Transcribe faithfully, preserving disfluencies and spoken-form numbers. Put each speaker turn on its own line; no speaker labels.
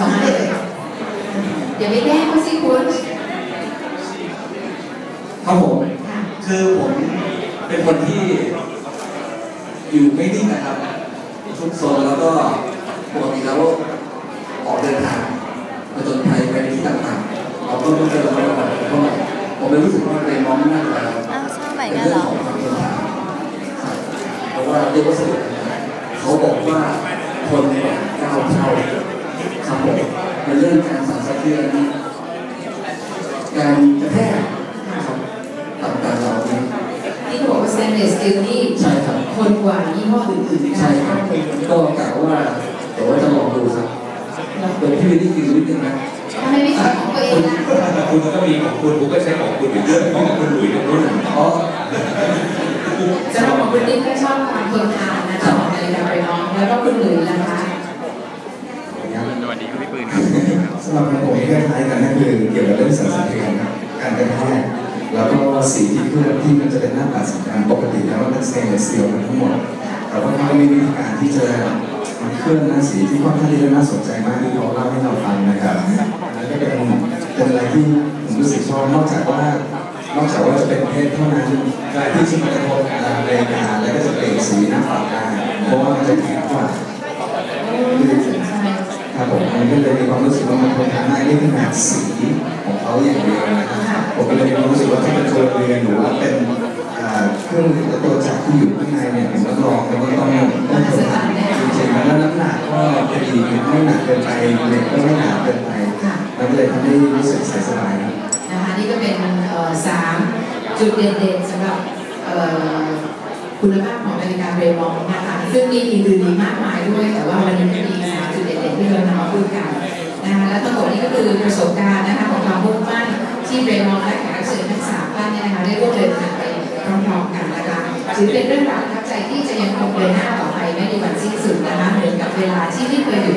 สองอันเลยอย่าไปแย่งเขาสิคุณ
ครับผมคือผมเป็นคนที่อยู่ไม่นิ่งนะครับทุกโซนแล้วก็ปกติแล้วออกเดินทางมาจนไทยไปที่ต่างๆเราก็ต้องเจอเราก่อนเพราะผมเลยรู้สึกว่าเป็นมองหน้าเราเป็นเรื่องของความเดินทางเพราะว่าเรียกว่าสนุกเขาบอกว่าคนเนี่ยก้าวเท่าครับผมในเรื่องการสั่นสะเทือนการกระแทกต่างๆเราเนี่ย
ที่เขาบอกว่า stainless steel นี่
ใช่ครับ
คนกว่ายี่ห้ออื่นๆ
ใช่ครับก็กล่าวว่าแต่ว่าจะลองดูครับเปิดพี่วิลลี่กินนิดนึงนะ
ทำไมไม่ใช้ของตัวเองนะ
คุณก็มีของคุณผมก็ใช้ของคุณอยู่เรื่องของคุณหลุยส์ตรงนู้น
อ๋อ
สำหรับของคุณติ๊กก็ชอบความทนทานนะคะของนาฬิกาไปน้องแล้วก็คุณหลุยส์นะคะ
สวัสดีครับพี่ปืนครับ
สำหรับผมคล้ายๆกันนั่นคือเกี่ยวกับเรื่องสังสรรค์ครับการกระแทกแล้วก็สีที่เคลือบที่มันจะเป็นหน้าปัดสีดำปกติแล้วมันเป็นสเตนเลสสตีลทั้งหมดแต่ว่าเขาก็มีวิธีการที่จะมันเคลื่อนหน้าสีที่ค่อนข้างที่จะน่าสนใจมากที่เขาเล่าให้เราฟังนะครับนั่นก็เป็นเป็นอะไรที่ผมรู้สึกชอบนอกจากว่านอกจากว่าจะเป็นเพชรเท่านั้นการที่จะมากระทบเรดาร์แล้วก็จะเปลี่ยนสีหน้าปัดได้เพราะว่ามันจะแข็งกว่าครับผมมันก็เลยมีความรู้สึกว่ามันทนทานได้ด้วยขนาดสีของเขาอย่างเดียวนะครับผมก็เลยมีความรู้สึกว่าถ้าเป็นตัวเรือนหรือว่าเป็นเครื่องมือตัวจักรที่อยู่ข้างในเนี่ยผมรับรองเลยว่าต้องต้องทนทานจริงๆแล้วน้ำหนักก็พอดีไม่หนักเกินไปเล็กก็ไม่หนาเกินไปมันก็เลยทำให้รู้สึกสบาย
นะคะนี่ก็เป็นสามจุดเด่นๆสำหรับคุณภาพของนาฬิกาเรมองนะคะซึ่งมีอื่นๆอีกมากมายด้วยแต่ว่าวันนี้ก็มีสามจุดเด่นๆที่เรานำมาพูดกันนะคะและทั้งหมดนี้ก็คือประสบการณ์นะคะของความมุ่งมั่นที่เรมองและแขกรับเชิญทั้งสามท่านเนี่ยนะคะได้ร่วมเดินทางไปพร้อมๆกันนะคะถือเป็นเรื่องราวประทับใจที่จะยังคงเดินหน้าต่อไปไม่มีวันสิ้นสุดนะคะเหมือนกับเวลาที่ไม่เคยหยุด